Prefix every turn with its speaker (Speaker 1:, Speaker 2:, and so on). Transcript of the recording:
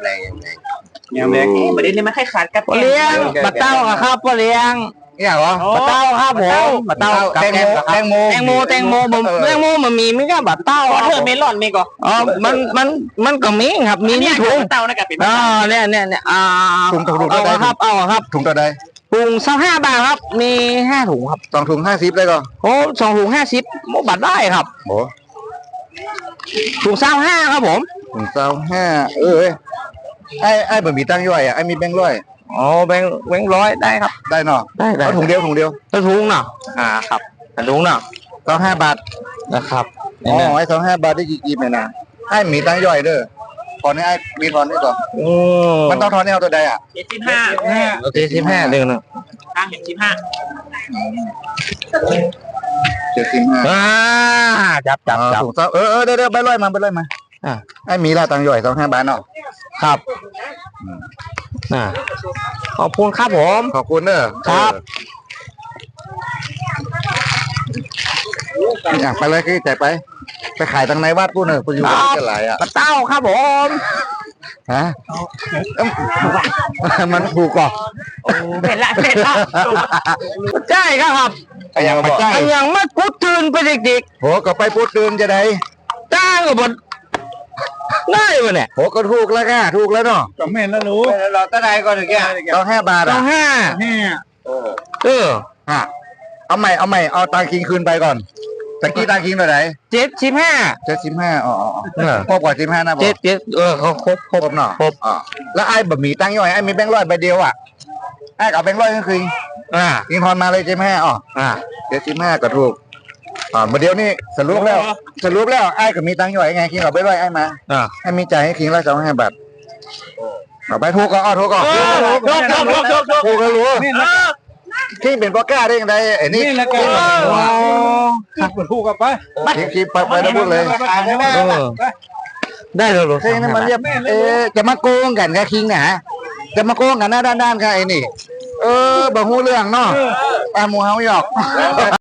Speaker 1: แรงยังแรง
Speaker 2: อย่างแรกประเด็นนี้มันคล้ายๆกับ
Speaker 3: ปลาเลี้ยงปลาเต้าครับปลาเลี้ยง
Speaker 1: เนี่ยเหรอ
Speaker 3: ปลาเต้าครับผมปลาเต้ากับ
Speaker 1: แตงโมแตงโม
Speaker 3: แตงโมผมแตงโมมันมีไม่ก็ปลาเต้า
Speaker 2: วอเทอร์เมลอนมีก่อน
Speaker 3: อ๋อมันก็มีครับมีนี่ถุง
Speaker 2: เต้านะกับเป็น
Speaker 3: อ๋อเนี่ย
Speaker 1: ถุง
Speaker 3: เอา
Speaker 1: ได้
Speaker 3: ครับเอาครับ
Speaker 1: ถุงตัวใด
Speaker 3: ถุง25 บาทครับมี5 ถุงครับ
Speaker 1: 2 ถุง 50เลยก็
Speaker 3: โอ้2 ถุง50โมบัตรได้ครับ
Speaker 1: โอ้
Speaker 3: ถุง25ครับผม
Speaker 1: ถุง25ไอ้บะหมี่ตั้งย่อยอ่ะไอ้มีแบงค์ร้อย
Speaker 3: อ๋อแบงค์ร้อยได้ครับ
Speaker 1: ได้เนาะ
Speaker 3: ได้
Speaker 1: เอาถุงเดียว
Speaker 3: แล้วถุงเนาะครับถุงเนาะ
Speaker 1: 25 บาท
Speaker 3: นะครับ
Speaker 1: อ๋อไอ้25 บาทได้กี่กีบเนี่ยนะไอ้หมีตั้งย่อยเด้อทอนให้ไอ้มีทอนด้วยก่อนมันต้องทอนให้เอาตัวใดอ่ะ
Speaker 2: 75
Speaker 3: โอเค15เดือนนึง
Speaker 2: ทางเห็น15
Speaker 1: 75
Speaker 3: จับ
Speaker 1: ถุงเดี๋ยวใบร้อยมาไอ้หมีละตั้งย่อย25 บาทเนาะ
Speaker 3: ครับขอบคุณครับผม
Speaker 1: ขอบคุณเด้อ
Speaker 3: ครับ
Speaker 1: อยากไปเลยคือใจไปขายทางในวัดกูเนอะกูอยู่กันหลายอ่ะ
Speaker 3: ปลาเต้าครับผม
Speaker 1: ฮะมันถูกก่อน
Speaker 2: เป็นละ
Speaker 3: ใช่ครับ
Speaker 1: อย่างมาใจ
Speaker 3: อย่างมาพุดตื่นไปเด็ก
Speaker 1: โหก็ไปพูดตื่นจะได้
Speaker 3: ๆจ้างกับบนได้ปะเนี่ย
Speaker 1: โหก็ถูกแล้วค่ะถูกแล้วเนาะ
Speaker 2: ก็แม่นแล้วรู้เราตะไดก่อนถึงแก
Speaker 1: ต้อง5 บาท
Speaker 3: ต้อ
Speaker 1: อ่ะ
Speaker 3: ง5
Speaker 1: ฮะเอาใหม่เอาตังคิงคืนไปก่อนตะกี้ตังคิงเท่าไหร่
Speaker 3: 75
Speaker 1: 75อ๋อครบกว่า15นะบอก
Speaker 3: เขาครบ
Speaker 1: ครบเนาะอ๋อแล้วไอ้บะหมี่ตั้งย่อยไอ้มีแบงค์ร้อยใบเดียวอ่ะไอ้กับแบงค์ร้อยก็คือคิงทอนมาเลย75อ๋อ75ก็ถูกมาเดียวนี่สรุปแล้วไอ้ก็มีตังค์ย่อยไงคิงเอาไปร้อยไอ้มาให้มีจ่ายให้คิงละ25 บาทเอาไปถูกก็ถูกก็ถูกก็รู้คิงเป็นพ่อกล้าได้ยังไงไอ้นี่
Speaker 2: นี่แหละแกคือถูกกับไป
Speaker 1: คิงไปแล้วพูดเลย
Speaker 3: ได้เลย
Speaker 1: คิงนี่มันเรียบจะมาโกงกันกับคิงนะจะมาโกงกันหน้าด้านๆกับไอ้นี่บางหูเรื่องเนาะหมูเฮาหยอก